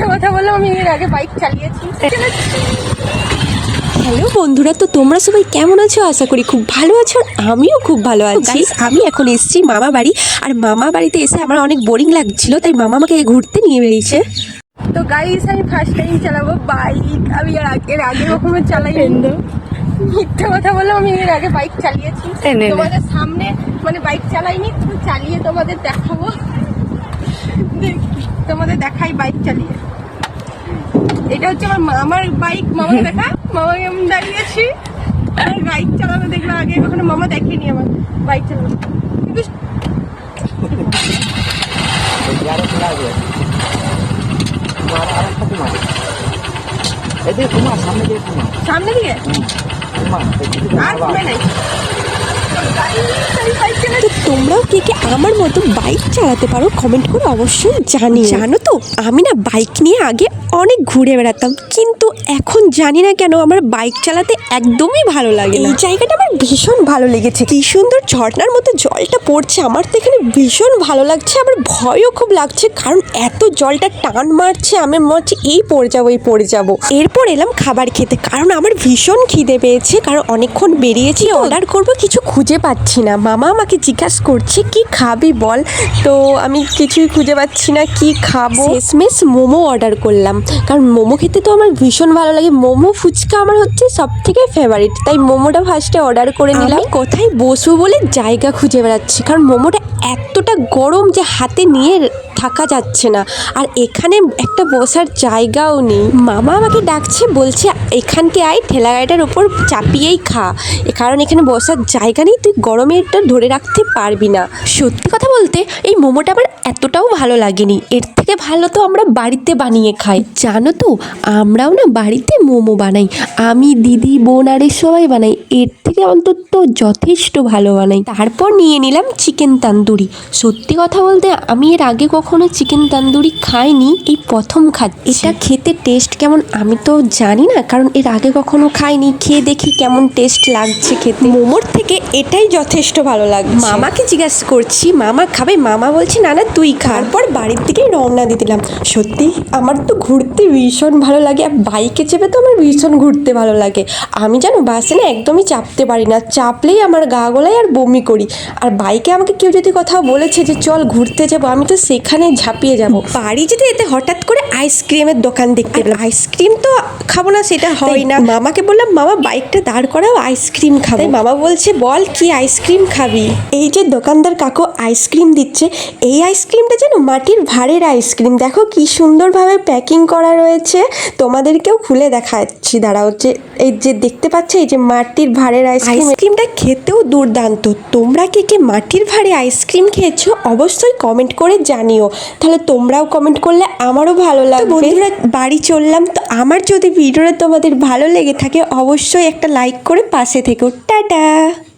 মিথ্যে কথা বললাম, আমি এর আগে বাইক চালিয়েছি। হ্যালো বন্ধুরা, তো তোমরা সবাই কেমন আছো? আশা করি খুব ভালো আছো। আমিও খুব ভালো আছি। আমি এখন এসেছি মামা বাড়ি, আর মামা বাড়িতে এসে আমার অনেক বোরিং লাগছিল, তাই মামা আমাকে ঘুরতে নিয়ে বেরিয়েছে। তো গাইস, আমি ফার্স্ট টাইম চালাবো বাইক। আমি এর আগে কখনো চালাই। মিথ্যে কথা বললাম, আমি এর আগে বাইক চালিয়েছি। তোমাদের সামনে মানে বাইক চালাইনি, তো চালিয়ে তোমাদের দেখাবো। তোমাদের দেখাই বাইক চালিয়ে। এটা হচ্ছে আমার মামার বাইক। মামাকে দেখা, মামাকে আমি দাঁড়িয়েছি। আর বাইক চালানো দেখলো আগে কখনো মামা দেখেনি আমার বাইক চালানো। সামনে দিকে আর ঘুরে নাই। তো তোমরাও কে কে আমার মতো বাইক চালাতে পারো কমেন্ট করে অবশ্যই জানিও। জানো তো, আমি না বাইক নিয়ে আগে অনেক ঘুরে বেড়াতাম, কিন্তু এখন জানি না কেন আমার বাইক চালাতে একদমই ভালো লাগে না। এই জায়গাটা আমার ভীষণ ভালো লেগেছে, কি সুন্দর ঝর্ণার মতো জলটা পড়ছে। আমার তো এখানে ভীষণ ভালো লাগছে, আমার ভয়ও খুব লাগছে, কারণ এত জলটা টান মারছে। আমি মনে হচ্ছে এই পড়ে যাবো। এরপর এলাম খাবার খেতে, কারণ আমার ভীষণ খিদে পেয়েছে, কারণ অনেকক্ষণ বেরিয়েছি। অর্ডার করবো, কিছু খুঁজে পাচ্ছি না। মামা আমাকে জিজ্ঞাসা করছে কি খাবি বল, তো আমি কিছুই খুঁজে পাচ্ছি না কি খাবো। শেষমেশ মোমো অর্ডার করলাম, কারণ মোমো খেতে তো আমার ভীষণ ভালো লাগে। মোমো ফুচকা আমার হচ্ছে সব থেকে ফেভারিট, তাই মোমোটা ফার্স্টে অর্ডার করে নিলাম। কোথায় বসবো বলে জায়গা খুঁজে বেড়াচ্ছি, কারণ মোমোটা এতটা গরম যে হাতে নিয়ে থাকা যাচ্ছে না, আর এখানে একটা বসার জায়গাও নেই। মামা আমাকে ডাকছে, বলছে এখানকে আয়, ঠেলা গাড়িটার ওপর চাপিয়েই খা, কারণ এখানে বসার জায়গা নেই, তুই গরমে এটা ধরে রাখতে পারবি না। সত্যি কথা বলতে এই মোমোটা আমার এতটাও ভালো লাগেনি। এর থেকে ভালো তো আমরা বাড়িতে বানিয়ে খাই। জানো তো, আমরাও না বাড়িতে মোমো বানাই, আমি, দিদি, বোন আর সবাই বানাই। এর থেকে অন্তত যথেষ্ট ভালো বানাই। তারপর নিয়ে নিলাম চিকেন তান্দুরি। সত্যি কথা বলতে আমি এর আগে কখনো চিকেন তান্দুরি খাইনি, এই প্রথম খাচ্ছি। এটা খেতে টেস্ট কেমন আমি তো জানি না, কারণ এর আগে কখনো খাইনি। খেয়ে দেখি কেমন টেস্ট লাগছে খেতে। মোমোর থেকে এটাই যথেষ্ট ভালো লাগছে। মামাকে জিজ্ঞাসা করছি মামা খাবে, মামা বলছে না না তুই খা। তারপর বাড়ির থেকে রওনা দিয়ে দিলাম। সত্যি আমার তো ঘুরতে ভীষণ ভালো লাগে, আর বাইকে চেপে তো আমার ভীষণ ঘুরতে ভালো লাগে। আমি জানো বাসে না একদমই চাপতে পারি না, চাপলেই আমার গা গোলায় আর বমি করি। আর বাইকে আমাকে কেউ যদি কথা বলেছে যে চল ঘুরতে যাবো, আমি তো সেখানে ঝাঁপিয়ে যাব। বাড়ি যেতে যেতে হঠাৎ করে আইসক্রিমের দোকান দেখতে পেলাম। আইসক্রিম তো খাবো না সেটা হয় না। মামাকে বললাম মামা বাইকটা দাঁড় করাও, আইসক্রিম খাবো। মামা বলছে বল কি আইসক্রিম খাবি। এই যে দোকানদার কাকু আইসক্রিম দিচ্ছে, এই আইসক্রিমটা যেন মাটির ভাঁড়ের আইসক্রিম। দেখো কি সুন্দরভাবে প্যাকিং করা রয়েছে, তোমাদেরকেও খুলে দেখাচ্ছি দাঁড়াও। যে এই যে দেখতে পাচ্ছ, এই যে মাটির ভাঁড়ের আইসক্রিমটা খেতেও দুর্দান্ত। তোমরা কে কে মাটির ভাঁড়ে আইসক্রিম খেয়েছো অবশ্যই কমেন্ট করে জানিও, তাহলে তোমরাও কমেন্ট করলে আমারও ভালো লাগবে। বন্ধুরা বাড়ি চললাম, তো আমার যদি ভিডিওটা তোমাদের ভালো লেগে থাকে অবশ্যই একটা লাইক করে পাশে থেকো। টাটা।